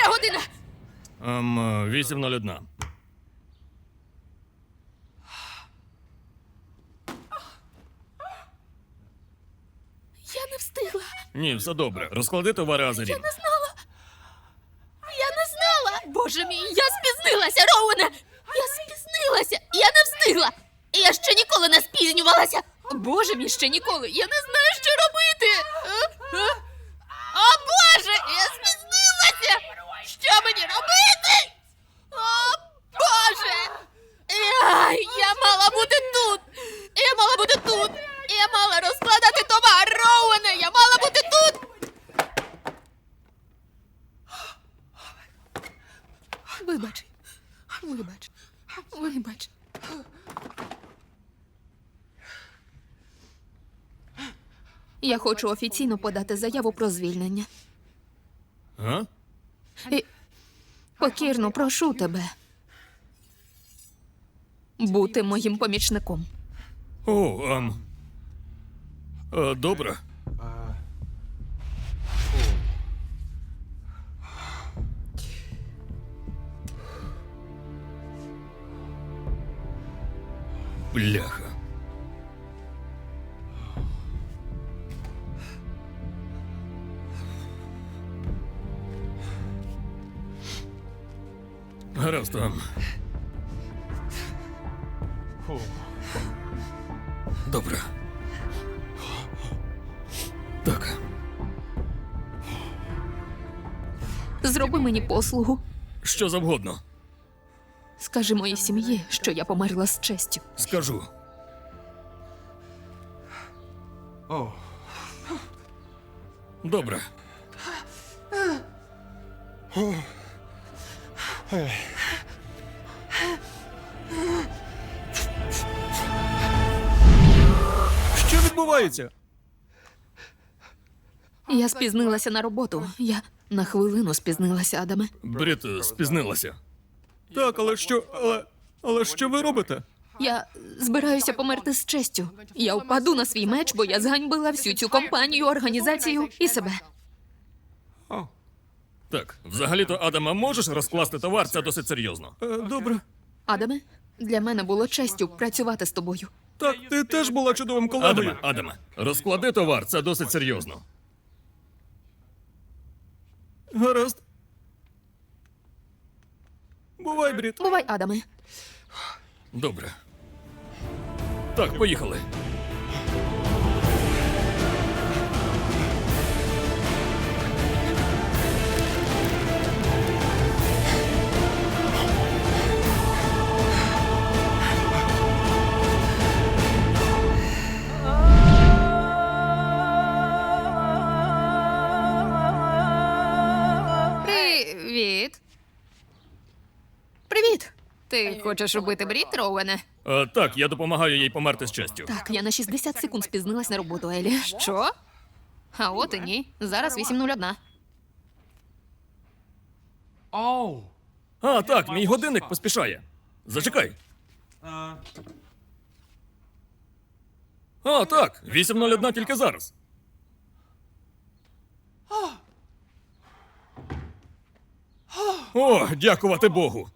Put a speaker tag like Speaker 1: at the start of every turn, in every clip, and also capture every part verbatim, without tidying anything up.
Speaker 1: Котра година?
Speaker 2: Ем, вісім нуль один.
Speaker 1: Я не встигла.
Speaker 2: Ні, все добре. Розклади товари Азарін.
Speaker 1: Я не знала. Я не знала. Боже мій, я спізнилася, Роуене. Я спізнилася. Я не встигла. Я ще ніколи не спізнювалася. Боже мій, ще ніколи. Я не знаю, що робити. О, Боже, я спізнилася. Що мені робити? О, Боже. Я, я мала бути тут. Я мала бути тут. Я мала розкладати товар, Роуене. Я мала бути тут. Вибач. Вибач. Вибач. Я хочу офіційно подати заяву про звільнення.
Speaker 2: А?
Speaker 1: І покірно прошу тебе бути моїм помічником.
Speaker 2: О, ем... Е, добре. Бляха. Гаразд, ем... Добре. Так.
Speaker 1: Зроби мені послугу.
Speaker 2: Що завгодно.
Speaker 1: Скажи моїй сім'ї, що я померла з честю.
Speaker 2: Скажу. Добре.
Speaker 3: Що відбувається?
Speaker 1: Я спізнилася на роботу. Я на хвилину спізнилася, Адаме.
Speaker 2: Брід е, спізнилася.
Speaker 3: Так, але що. Але. Але що ви робите?
Speaker 1: Я збираюся померти з честю. Я впаду на свій меч, бо я зганьбила всю цю компанію, організацію і себе.
Speaker 2: Так, взагалі-то, Адама, можеш розкласти товар? Це досить серйозно.
Speaker 3: Е, добре.
Speaker 1: Адаме, для мене було честю працювати з тобою.
Speaker 3: Так, ти теж була чудовим колегою.
Speaker 2: Адаме, Адаме, розклади товар, це досить серйозно.
Speaker 3: Гаразд. Бувай, Брід.
Speaker 1: Бувай, Адаме.
Speaker 2: Добре. Так, поїхали.
Speaker 1: Привіт. Привіт. Ти хочеш робити Брід, Роуене?
Speaker 2: Е, так, я допомагаю їй померти з честю.
Speaker 1: Так, я на шістдесят секунд спізнилась на роботу, Елі. Що? А от і ні. Зараз вісім нуль один.
Speaker 2: А, так, мій годинник поспішає. Зачекай. А, так, вісім нуль один тільки зараз. О, дякувати Богу.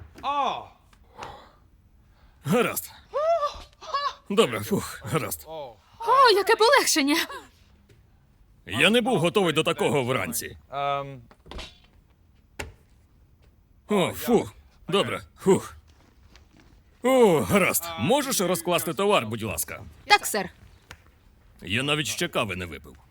Speaker 2: Гаразд. Добре, фух, гаразд.
Speaker 1: О, яке полегшення.
Speaker 2: Я не був готовий до такого вранці. О, фух. Добре, фух. О, гаразд. Можеш розкласти товар, будь ласка?
Speaker 1: Так, сер.
Speaker 2: Я навіть ще кави не випив.